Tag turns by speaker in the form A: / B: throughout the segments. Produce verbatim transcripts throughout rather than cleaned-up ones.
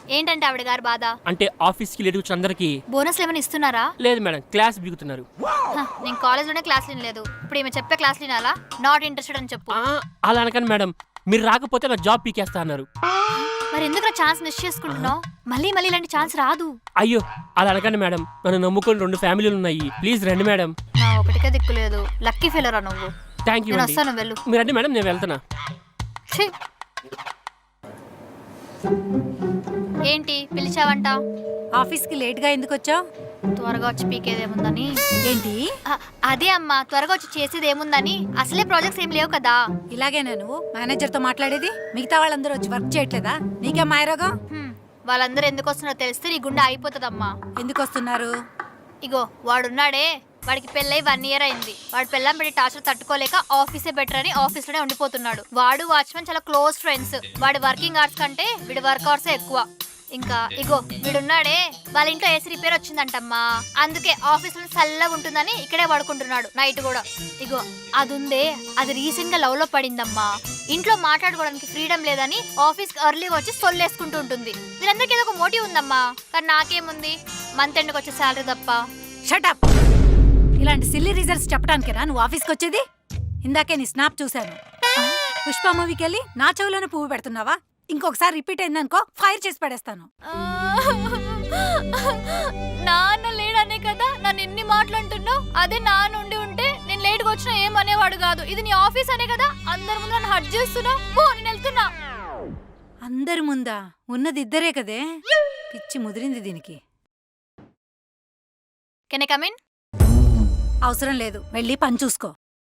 A: ఏంటంటే ఆవిడ గారి బాధ?
B: అంటే ఆఫీస్కి లేట్ వచ్చిన అందరికి
A: బోనస్ ఏమైనా ఇస్తున్నారా?
B: లేదు మేడం, క్లాస్ బిగుతున్నారు.
A: నేను కాలేజ్లోనే క్లాస్ వినలేదు, ఇప్పుడు ఈమె చెప్పే క్లాస్ వినాలా? నాట్ ఇంట్రెస్టెడ్ అని చెప్పు.
B: అలా అనకండి మేడం, మీరు రాకపోతే నా జాబ్ పీకేస్తా అన్నారు.
A: మరి ఎందుకు ఛాన్స్ మిస్ చేసుకుంటున్నావు? మళ్ళీ మళ్ళీ ఇలాంటి ఛాన్స్ రాదు.
B: అయ్యో అలా అనకండి మేడం, నన్ను నమ్ముకొని రెండు ఫ్యామిలీలు ఉన్నాయి, ప్లీజ్ రండి మేడం.
A: నా ఒకటికే దిక్కులేదు, లక్కీ ఫెయిలరా నువ్వు.
B: Thank you.
A: వస్తాను, వెళ్ళు.
B: మీరు రండి మేడం, నేను వెళ్తున్నా.
A: ఏంటి పిలిచావంట?
C: ఆఫీస్కి లేట్గా ఎందుకు వచ్చావు?
A: త్వరగా వచ్చి పీకేదేముందని.
C: ఏంటి?
A: అదే అమ్మా, త్వరగా వచ్చి చేసేది ఏముందని. అసలే ప్రాజెక్ట్స్ ఏం లేవు కదా.
C: ఇలాగేనా నువ్వు మేనేజర్తో మాట్లాడేది? మిగతా వాళ్ళందరూ వచ్చి వర్క్ చేయట్లేదా? నీకేం మాయరోగం?
A: వాళ్ళందరూ ఎందుకు వస్తున్నారో తెలిస్తే నీ గుండె అయిపోతుందమ్మా.
C: ఎందుకు వస్తున్నారు?
A: ఇగో వాడున్నాడే, వాడికి పెళ్ళై వన్ ఇయర్ అయింది. వాడు పెళ్ళం పెట్టి టార్చర్ తట్టుకోలేక ఆఫీసే బెటర్ అని ఆఫీస్ లోనే ఉండిపోతున్నాడు. వాడు వాచ్మెన్ చాలా క్లోజ్ ఫ్రెండ్స్. వాడి వర్కింగ్ అవర్స్ కంటే వీడి వర్క్ అవర్స్ ఎక్కువ. ఇంకా ఇగో వీడున్నాడే, వాళ్ళ ఇంట్లో ఏసీ రిపేర్ వచ్చిందంటమ్మా, అందుకే ఆఫీస్ లో చల్లగా ఉంటుందని ఇక్కడే పడుకుంటున్నాడు నైట్ కూడా. ఇగో అది ఉందే, అది రీసెంట్ గా లవ్ లో పడిందమ్మా. ఇంట్లో మాట్లాడుకోవడానికి ఫ్రీడమ్ లేదని ఆఫీస్ కి ఎర్లీగా వచ్చి సొల్లేసుకుంటూ ఉంటుంది. వీళ్ళందరికీ ఏదో ఒక మోటివ్ ఉందమ్మా, కానీ నాకేముంది, మంత్ ఎండ్కి వచ్చే శాలరీ తప్ప.
C: షటప్! ఇలాంటి సిల్లీ రీజన్స్ చెప్పడానికేనా నువ్వు ఆఫీస్కి వచ్చేది? ఇందాకే నీ స్నాప్ చూశాను. పుష్ప మూవీకి వెళ్ళి నా చెవులోనే పువ్వు పెడుతున్నావా? ఇంకొకసారి రిపీట్ అయిందనుకో ఫైర్ చేసి పడేస్తాను.
A: నాన్న లేడనే కదా నన్ను ఎన్ని మాట్లాడుతున్నావు. అదే నాన్న ఉండి ఉంటే నేను లేట్గా వచ్చినా ఏమనేవాడు కాదు. ఇది నీ ఆఫీస్ అనే కదా అందరి ముందు నన్ను హర్ట్ చేస్తున్నావు. పో, నేను వెళ్తున్నా.
C: అందరి ముందా? ఉన్నది ఇద్దరే కదే. పిచ్చి ముదిరింది దీనికి.
A: Can I come in?
C: అవసరం లేదు, వెళ్ళి పని చూసుకో.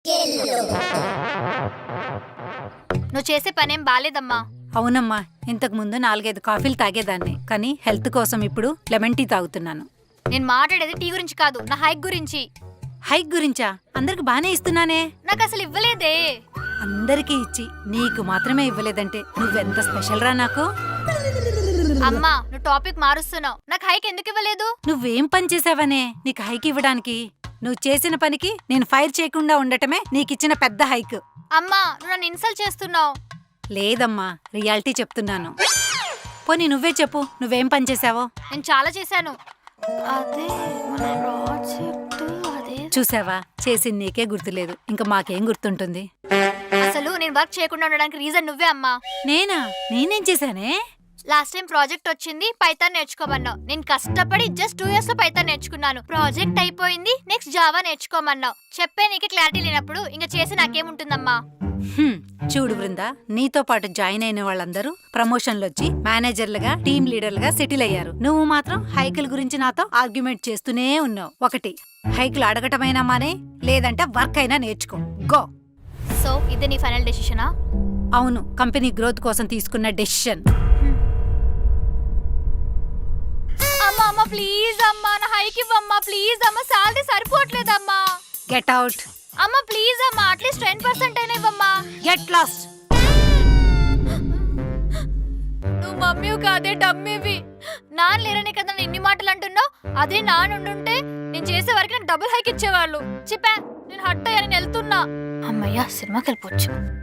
A: నువ్వు చేసే పనేం బాలేదమ్మా.
C: అవునమ్మా, ఇంతకు ముందు నాలుగైదు కాఫీలు తాగేదాన్ని, కానీ హెల్త్ కోసం ఇప్పుడు లెమన్ టీ తాగుతున్నాను.
A: నేను మాట్లాడేది టీ గురించి కాదు, నా హైక్ గురించి.
C: హైక్ గురించా? అందరికి బానే ఇస్తున్నానే.
A: నాకు అసలు ఇవ్వలేదే.
C: అందరికీ ఇచ్చి నీకు మాత్రమే ఇవ్వలేదంటే నువ్వెంత స్పెషల్ రా నాకు.
A: అమ్మా నువ్వు టాపిక్ మారుస్తున్నావు. నాకు హైక్ ఎందుకు ఇవ్వలేదు?
C: నువ్వేం పని చేసావనే నీకు హైక్ ఇవ్వడానికి? నువ్వు చేసిన పనికి నేను ఫైర్ చేయకుండా ఉండటమే నీకిచ్చిన పెద్ద హైక్.
A: అమ్మా నువ్వు నన్ను ఇన్సల్ట్ చేస్తున్నావు.
C: లేదమ్మా, రియాలిటీ చెప్తున్నాను. పోనీ నువ్వే చెప్పు, నువ్వేం పని చేసావో.
A: నేను చాలా చేశాను. అదే మన ప్రాజెక్ట్. అదే
C: చూసావా, చేసింది నీకే గుర్తులేదు, ఇంకా మాకేం గుర్తుంటుంది?
A: అసలు నేను వర్క్ చేయకుండా ఉండడానికి రీజన్ నువ్వే అమ్మా.
C: నేనా? నేనేం చేశానే?
A: లాస్ట్ టైం ప్రాజెక్ట్ వచ్చింది, పైథాన్ నేర్చుకోమన్నావు. నేను కష్టపడి జస్ట్ టూ ఇయర్స్ లో పైథాన్ నేర్చుకున్నాను. ప్రాజెక్ట్ అయిపోయింది, నెక్స్ట్ జావా నేర్చుకోమన్నావు. చెప్పే నీకు క్లారిటీ లేనప్పుడు ఇంకా చేసి నాకేముంటుందమ్మా.
C: చూడు బృందా, నీతో పాటు జాయిన్ అయిన వాళ్ళందరూ ప్రమోషన్లు వచ్చి మేనేజర్లుగా, టీమ్ లీడర్లుగా సెటిల్ అయ్యారు. నువ్వు మాత్రం హైకిల్ గురించి నాతో ఆర్గ్యుమెంట్ చేస్తూనే ఉన్నావు. ఒకటి, హైకిల్ అడగటమైనా మానే, లేదంటే వర్క్ అయినా నేర్చుకో. గో.
A: సో ఇది నీ ఫైనల్ డెసిషనా?
C: అవును, కంపెనీ గ్రోత్ కోసం తీసుకున్న డెసిషన్.
A: అమ్మా అమ్మా ప్లీజ్ అమ్మా, నా హైక్ ఇవ్వమ్మా ప్లీజ్ అమ్మా, సాలరీ సరిపోవట్లేదమ్మా.
C: Get out.
A: అమ్మా ప్లీజ్ అమ్మా, అట్లీస్ట్ టెన్ పర్సెంట్ అయినా ఇవ్వమ్మా.
C: Get lost.
A: నువ్వు మమ్మీ కాదే డమ్మీవి. నాన్న లేరనే కదా నేను ఇన్ని మాటలు అంటున్నావు. అదే నాన్న ఉండుంటే నేను చేసే వరకు నాకు డబుల్ హైక్ ఇచ్చేవాళ్ళు. చెప్పా, నేను హట్ అయ్యా, నేను వెళ్తున్నా. అమ్మయ్యా, సినిమాకి వెళ్ళిపోవచ్చు.